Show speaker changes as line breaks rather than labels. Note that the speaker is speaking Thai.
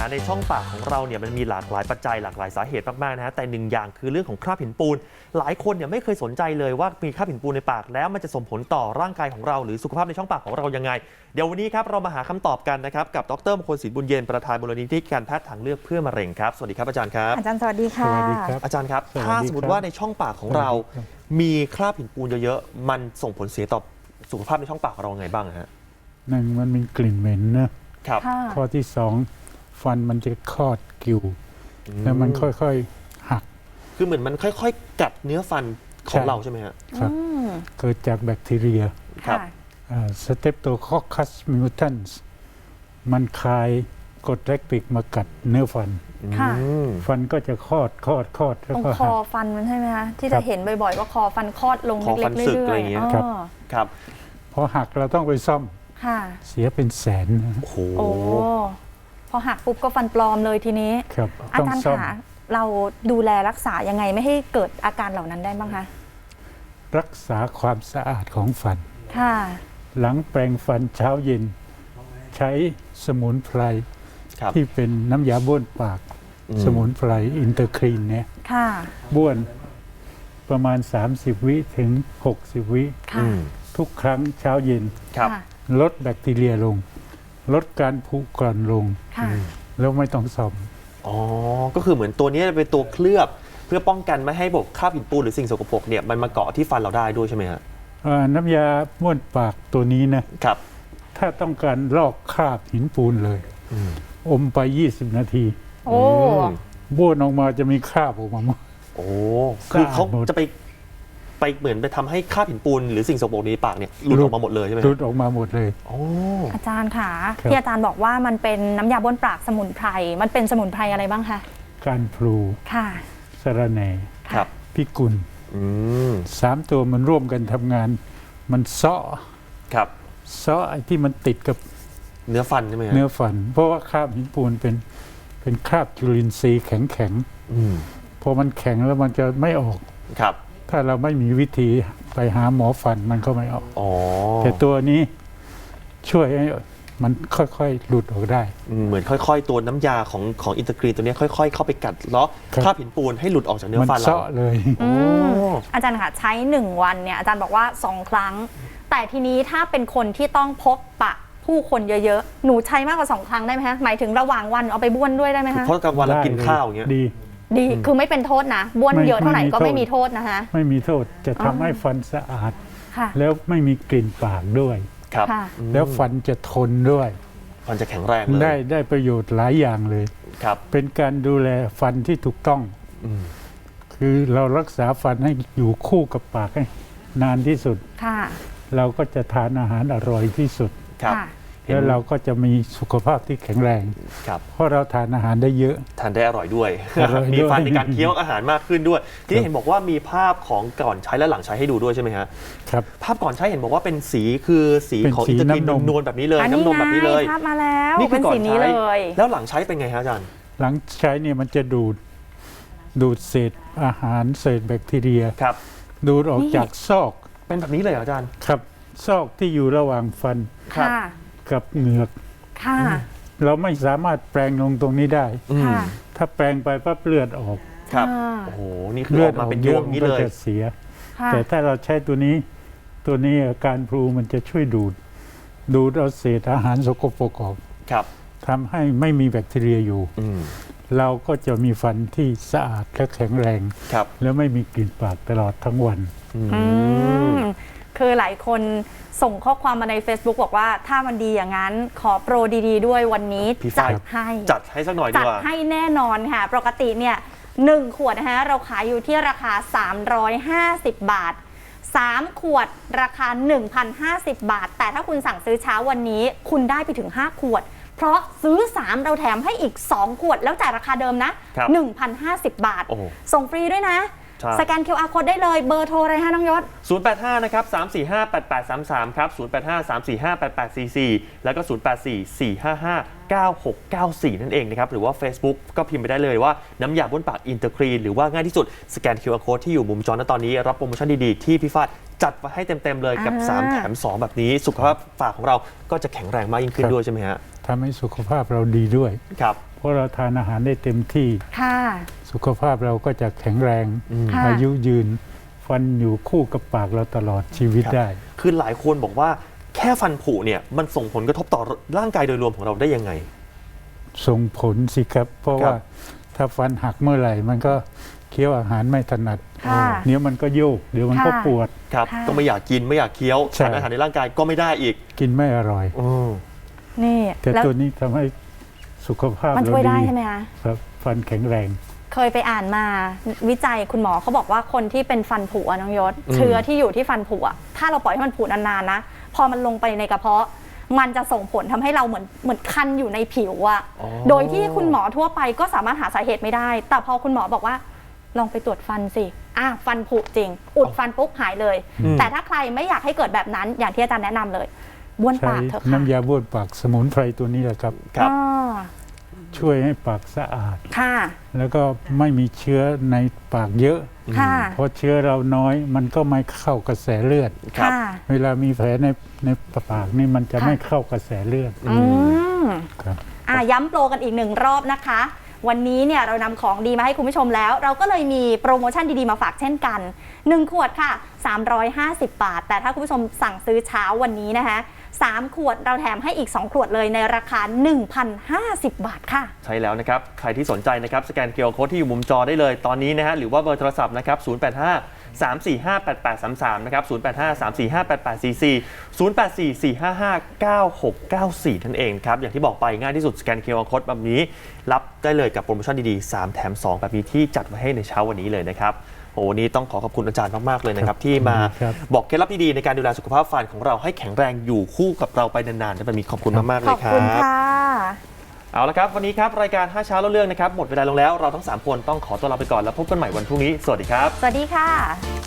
ในช่องปากของเราเนี่ยมันมีหลากหลายปัจจัยหลากหลายสาเหตุมากๆนะฮะแต่หนึ่งอย่างคือเรื่องของคราบหินปูนหลายคนเนี่ยไม่เคยสนใจเลยว่ามีคราบหินปูนในปากแล้วมันจะส่งผลต่อร่างกายของเราหรือสุขภาพในช่องปากของเรายังไงเดี๋ยววันนี้ครับเรามาหาคำตอบกันนะครับกับดร.มงคลศิลป์บุญเย็นประธานมูลนิธิการแพทย์ทางเลือกเพื่อมะเร็งครับสวัสดีครับอาจารย์ครับ
อาจารย์สวัสดีค่ะ
อาจารย์ครับถ้าสมมติว่าในช่องปากของเรามีคราบหินปูนเยอะๆมันส่งผลเสียต่อสุขภาพในช่องปากของเราไงบ้างฮะ
หนึ่งมันมีกลิ่นเหม็นนะครับข้อที่สองฟันมันจะคลอดกิ่วแล้วมันค่อยๆหัก
คือเหมือนมันค่อยๆกัดเนื้อฟันของเราใช่ไหมฮะ
ครับเกิดจากแบคทีเรีย
ครับ
สเตปโตคอคคัสมิวทันส์มันคายกรดแลคติกมากัดเนื้อฟันฟันก็จะคลอดแล้วก็
คอฟันมันใช่ไหมคะที่จะเห็นบ่อยๆว่าคอฟันคลอดลงเล็กๆเรื่อย
ๆครับ
พอหักเราต้องไปซ่อมเสียเป็นแสน
โอ้โห
พอหักปุ๊บก็ฟันปลอมเลยทีนี้อาจารย์คะเราดูแลรักษายังไงไม่ให้เกิดอาการเหล่านั้นได้บ้างคะ
รักษาความสะอาดของฟันหลังแปรงฟันเช้าเย็นใช้สมุนไพรที่เป็นน้ำยาบ้วนปากสมุนไพรอินเตอร์ครีนเนี่ยบ้วนประมาณ30วิถึง60วิทุกครั้งเช้าเย็นลดแบคทีเรียลงลดการผุกร่อนลงแล้วไม่ต้องซ่อม
ก็คือเหมือนตัวนี้เป็นตัวเคลือบเพื่อป้องกันไม่ให้พวกคราบหินปูนหรือสิ่งสกปรกเนี่ยมันมาเกาะที่ฟันเราได้ด้วยใช่ไหมฮะ
น้ำยาบ้วนปากตัวนี้นะครับถ้าต้องการลอกคราบหินปูนเลยอมไป20นาทีบ้วนออกมาจะมีคราบออกมาหมด
คือเขาจะไปเหมือนไปทำให้คราบหินปูนหรือสิ่งสกปรกในปากเนี่ยหลุดออกมาหมดเลยใช่ไหม
หลุดออกมาหมดเลย
อาจารย์ค่ะที่อาจารย์บอกว่ามันเป็นน้ำยาบ้วนปากสมุนไพรมันเป็นสมุนไพรอะไรบ้างคะ
การพลูสะระแหน่พิกุล3ตัวมันร่วมกันทำงานมันเซาะไอ้ที่มันติดกับ
เนื้อฟันใช่ไหม
เนื้อฟันเพราะว่าคราบหินปูนเป็นคราบจุลินทรีย์แข็งพอมันแข็งแล้วมันจะไม่ออกถ้าเราไม่มีวิธีไปหาหมอฟันมันก็ไม่ออกแต่ตัวนี้ช่วยให้มันค่อยๆหลุดออกได้
เหมือนค่อยๆตัวน้ำยาของอินเตอร์กรีนตัวนี้ค่อยๆเข้าไปกัดเลาะคราบหินปูนให้หลุดออกจากเนื้อฟันเรา
มันเซาะเลย
อาจารย์ค่ะใช้1วันเนี่ยอาจารย์บอกว่า2ครั้งแต่ทีนี้ถ้าเป็นคนที่ต้องพบปะผู้คนเยอะๆหนูใช้มากกว่า2ครั้งได้ไหมคะหมายถึงระหว่างวันเอาไปบ้วนด้วยได้ไหมคะ
เพราะกลางวันเรากินข้าวอย่างเงี้ย
ดีคือไม่เป็นโทษนะบ้วนเยอะเท่าไหร่ก็ไม่มีโทษนะคะ
ไม่มีโทษจะทำให้ฟันสะอาดแล้วไม่มีกลิ่นปากด้วยแล้วฟันจะทนด้วย
ฟันจะแข็งแรงเลย
ได้ประโยชน์หลายอย่างเลยเป็นการดูแลฟันที่ถูกต้องคือเรารักษาฟันให้อยู่คู่กับปากให้นานที่สุดเราก็จะทานอาหารอร่อยที่สุดแล้วเราก็จะมีสุขภาพที่แข็งแรงเพราะเราทานอาหารได้เยอะ
ทานได้อร่อยด้วยมีฟันในการเคี้ยวอาหารมากขึ้นด้วยที่เห็นบอกว่ามีภาพของก่อนใช้และหลังใช้ให้ดูด้วยใช่ไหมฮะ
ครับ
ภาพก่อนใช้เห็นบอกว่าเป็นสีคือสีของอินเตอร์กรีนนวลแบบนี้เลยน้ำนมแบบนี้เลย
ภาพมาแล้วนี่คือก่อนใช้
แล้วหลังใช้เป็นไงฮะอาจารย์
หลังใช้เนี่ยมันจะดูดเศษอาหารเศษแบคทีเรียดูดออกจากซอก
เป็นแบบนี้เลยอาจารย์
ครับซอกที่อยู่ระหว่างฟันกับเหงือกเราไม่สามารถแปรงลงตรงนี้ได้ถ้าแปรงไปปั๊บเลือดออก
โอ้โหนี่คือออกมาเป็นยวงนี้เลย
จะเสียแต่ถ้าเราใช้ตัวนี้การพลูมันจะช่วยดูดเอาเศษอาหารสกปรกออกทำให้ไม่มีแบคทีเรียอยู่เราก็จะมีฟันที่สะอาดและแข็งแรงแล้วไม่มีกลิ่นปากตลอดทั้งวัน
คือหลายคนส่งข้อความมาใน Facebook บอกว่าถ้ามันดีอย่างนั้นขอโปรดีๆด้วยวันนี้จั
ดให้สักหน่อยดีกว่า
จัดให้แน่นอนค่ะปกติเนี่ย1ขวดนะคะเราขายอยู่ที่ราคา350 บาท3ขวดราคา 1,050 บาทแต่ถ้าคุณสั่งซื้อเช้าวันนี้คุณได้ไปถึง5ขวดเพราะซื้อ3เราแถมให้อีก2ขวดแล้วจ่ายราคาเดิมนะ 1,050 บาทส่งฟรีด้วยนะสแกน QR Code ได้เลยเบอร์โทรอะไรฮะน้องยศ
085นะครับ3458833ครับ085 345 8844แล้วก็084 455 9694นั่นเองนะครับหรือว่า Facebook ก็พิมพ์ไปได้เลยว่าน้ำยาบ้วนปากอินเตอร์ครีนหรือว่าง่ายที่สุดสแกน QR Code ที่อยู่มุมจอณตอนนี้รับโปรโมชั่นดีๆที่พี่ฟาดจัดมาให้เต็มๆเลยกับ3แถม2แบบนี้สุขภาพปากของเราก็จะแข็งแรงมากยิ่งขึ้นด้วยใช่ไหมฮะ
ทำให้สุขภาพเราดีด้วย
ครับ
เพราะเราทานอาหารได้เต็มที่
ค่ะ
สุขภาพเราก็จะแข็งแรง
ค่ะ
อายุยืน ฟันอยู่คู่กับปากเราตลอดชีวิต
ครับ
ได้
คือหลายคนบอกว่าแค่ฟันผุเนี่ยมันส่งผลกระทบต่อร่างกายโดยรวมของเราได้ยังไง
ส่งผลสิครับ เพราะ
ครับ
ว่าถ้าฟันหักเมื่อไหร่ มันก็เคี้ยวอาหารไม่ถนัด
ค่ะ
เดี๋ยวมันก็โยก เดี๋ยวมันก็
ค่ะ
ปวด
ครับ
ค่ะ
ก็ไม่อยากกินไม่อยากเคี้ยว
ใช่
สารอาหารในร่างกายก็ไม่ได้อีก
กินไม่อร่อย
นี่
แต่
แล้ว
ตัวนี้ทำให้สุขภาพ
มัน
เรา
ช่วยได้
ดี
ใช่ไหมคะ
ครับฟันแข็งแรง
เคยไปอ่านมาวิจัยคุณหมอเขาบอกว่าคนที่เป็นฟันผุอะน้องยศ
อืม
เชื้อที่อยู่ที่ฟันผุอะถ้าเราปล่อยให้มันผุนานๆนะพอมันลงไปในกระเพาะ มันจะส่งผลทำให้เราเหมือนคันอยู่ในผิวอะ
อ๋อ
โดยที่คุณหมอทั่วไปก็สามารถหาสาเหตุไม่ได้ แต่พอคุณหมอบอกว่าลองไปตรวจฟันสิฟันผุจริง อุดฟันปุ๊บหายเลย แต่ถ้าใครไม่อยากให้เกิดแบบนั้นอย่างที่อาจารย์แนะนำเลยบ้วน
ใช้
ปากเถอะค่ะ
น้ำยาบ้วนปากสมุนไพรตัวนี้แหละครับ
ครับ
อ่า
ช่วยให้ปากสะอาด
ค่ะ
แล้วก็ไม่มีเชื้อในปากเยอะ
ค่ะ
เพราะเชื้อเราน้อยมันก็ไม่เข้ากระแสเลือด
ครับ
ค่ะ
เวลามีแผลในปากนี่มันจะ
ค่ะ
ไม่เข้ากระแสเลือด
อืม
ครับ
ย้ำโปรกันอีกหนึ่งรอบนะคะ วันนี้เนี่ยเรานำของดีมาให้คุณผู้ชมแล้ว เราก็เลยมีโปรโมชั่นดีๆมาฝากเช่นกัน 1 ขวดค่ะ 350 บาท แต่ถ้าคุณผู้ชมสั่งซื้อเช้าวันนี้นะคะ3 ขวดเราแถมให้อีก 2 ขวดเลยในราคา 1,050 บาทค่ะ
ใช่แล้วนะครับ ใครที่สนใจนะครับสแกน QR Code ที่อยู่มุมจอได้เลยตอนนี้นะฮะหรือว่าเบอร์โทรศัพท์นะครับ 085 345-8833 นะครับ 085 345-8844 084 455 9694 นั่นเองครับ อย่างที่บอกไปง่ายที่สุดสแกน QR Code แบบนี้รับได้เลยกับโปรโมชั่นดีๆ 3 แถม 2 แบบนี้ที่จัดไว้ให้ในเช้าวันนี้เลยนะครับโอ้วันนี้ต้องขอขอบคุณอาจารย์มากๆเลยนะครับที่มา
ครับ
บอกเคล็ดลับดีๆในการดูแลสุขภาพฟันของเราให้แข็งแรงอยู่คู่กับเราไปนานๆแบบนี้ขอบคุณมากๆเล
ข
ย
อบ
ครั
คุณ
บ
ค่ะ
เอาละครับวันนี้ครับรายการ5เช้าเล่าเรื่องนะครับหมดเวลาลงแล้วเราทั้ง3คนต้องขอตัวลาไปก่อนแล้วพบกันใหม่วันพรุ่งนี้สวัสดีครับ
สวัสดีค่ะ